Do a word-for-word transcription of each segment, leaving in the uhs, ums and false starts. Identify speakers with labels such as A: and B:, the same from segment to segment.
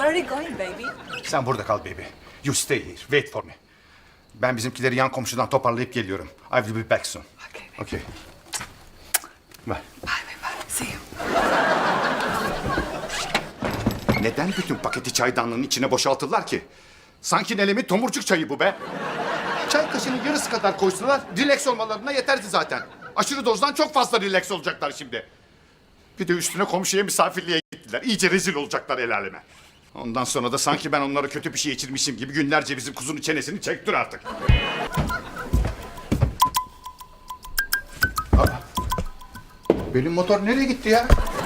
A: are you going, baby?
B: Sen burada kal baby. You stay here. Wait for me. Ben bizimkileri yan komşudan toparlayıp geliyorum. I will be back soon.
A: Okay, baby.
B: Okay. Bye.
A: Bye, bye, bye. See you.
B: Neden bütün paketi çaydanlığın içine boşaltırlar ki? Sanki Nelem'in tomurcuk çayı bu be. Çay kaşığının yarısı kadar koysalar relax olmalarına yeterdi zaten. Aşırı dozdan çok fazla relax olacaklar şimdi. Bir de üstüne komşuya misafirliğe gittiler. İyice rezil olacaklar el aleme. Ondan sonra da sanki ben onlara kötü bir şey içirmişim gibi günlerce bizim kuzunun çenesini çektir artık. Aa, benim motor nereye gitti ya?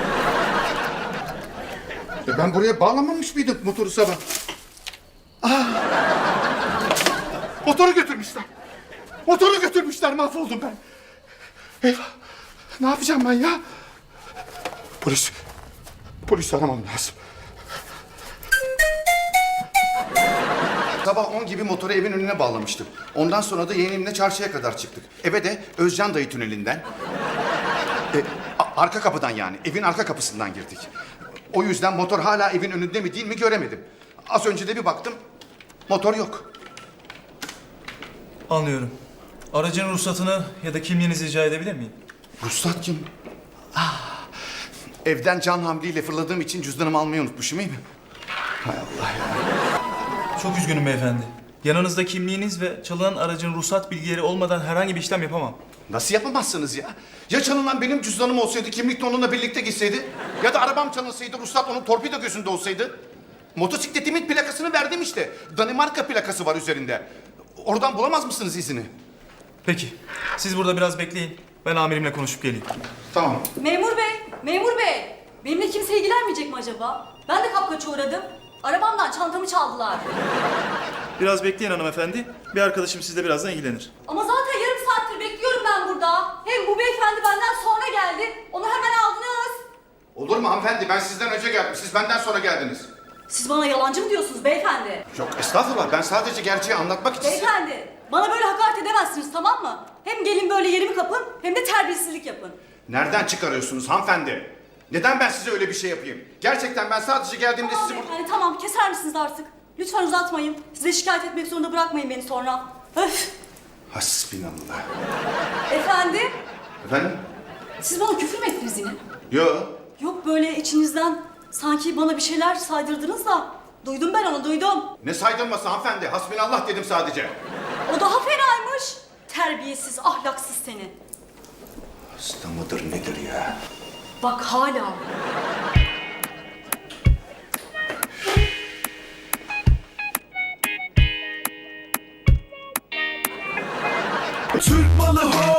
B: E ben buraya bağlamamış mıydım motoru sabah? Aa, motoru götürmüşler. Motoru götürmüşler, mahvoldum ben. Eyvah, ne yapacağım ben ya? Polis, polis aramam lazım. Sabah on gibi motoru evin önüne bağlamıştım. Ondan sonra da yeğenimle çarşıya kadar çıktık. Eve de Özcan dayı tünelinden. E, a- arka kapıdan yani, evin arka kapısından girdik. O yüzden motor hala evin önünde mi değil mi göremedim. Az önce de bir baktım, motor yok.
C: Anlıyorum. Aracın ruhsatını ya da kimliğinizi rica edebilir miyim?
B: Ruhsat kim? Ah, evden can havliyle fırladığım için cüzdanımı almayı unutmuşum, iyi mi? Hay Allah ya.
C: Çok üzgünüm beyefendi. Yanınızda kimliğiniz ve çalınan aracın ruhsat bilgileri olmadan herhangi bir işlem yapamam.
B: Nasıl yapamazsınız ya? Ya çalınan benim cüzdanım olsaydı, kimlik de onunla birlikte gitseydi? Ya da arabam çalınsaydı, ruhsat onun torpido gözünde olsaydı? Motosikletimin plakasını verdim işte. Danimarka plakası var üzerinde. Oradan bulamaz mısınız izini?
C: Peki. Siz burada biraz bekleyin. Ben amirimle konuşup geleyim.
B: Tamam.
D: Memur bey, memur bey. Benimle kimse ilgilenmeyecek mi acaba? Ben de kapkaça uğradım. Arabamdan çantamı çaldılar.
C: Biraz bekleyin hanımefendi. Bir arkadaşım sizle birazdan ilgilenir.
D: Ama zaten yarım saattir bekliyorum ben burada. Hem bu beyefendi benden sonra geldi. Onu hemen aldınız.
B: Olur mu hanımefendi? Ben sizden önce geldim. Siz benden sonra geldiniz.
D: Siz bana yalancı mı diyorsunuz beyefendi?
B: Yok estağfurullah. Ben sadece gerçeği anlatmak için...
D: Beyefendi, bana böyle hakaret edemezsiniz, tamam mı? Hem gelin böyle yerimi kapın, hem de terbiyesizlik yapın.
B: Nereden çıkarıyorsunuz hanımefendi? Neden ben size öyle bir şey yapayım? Gerçekten ben sadece geldiğimde
D: Tamam
B: sizi...
D: beyefendi, tamam, keser misiniz artık? Lütfen uzatmayın. Size şikayet etmek zorunda bırakmayın beni sonra. Öf!
B: Hasbinallah.
D: Efendim,
B: Efendim?
D: siz bana küfür mü ettiniz yine?
B: Yok.
D: Yok, böyle içinizden sanki bana bir şeyler saydırdınız da. Duydum ben onu, duydum.
B: Ne saydırması hanımefendi? Hasbinallah dedim sadece.
D: O daha fenaymış. Terbiyesiz, ahlaksız seni.
B: Hasta mıdır nedir ya?
D: Bak hala.
E: Türk malı ho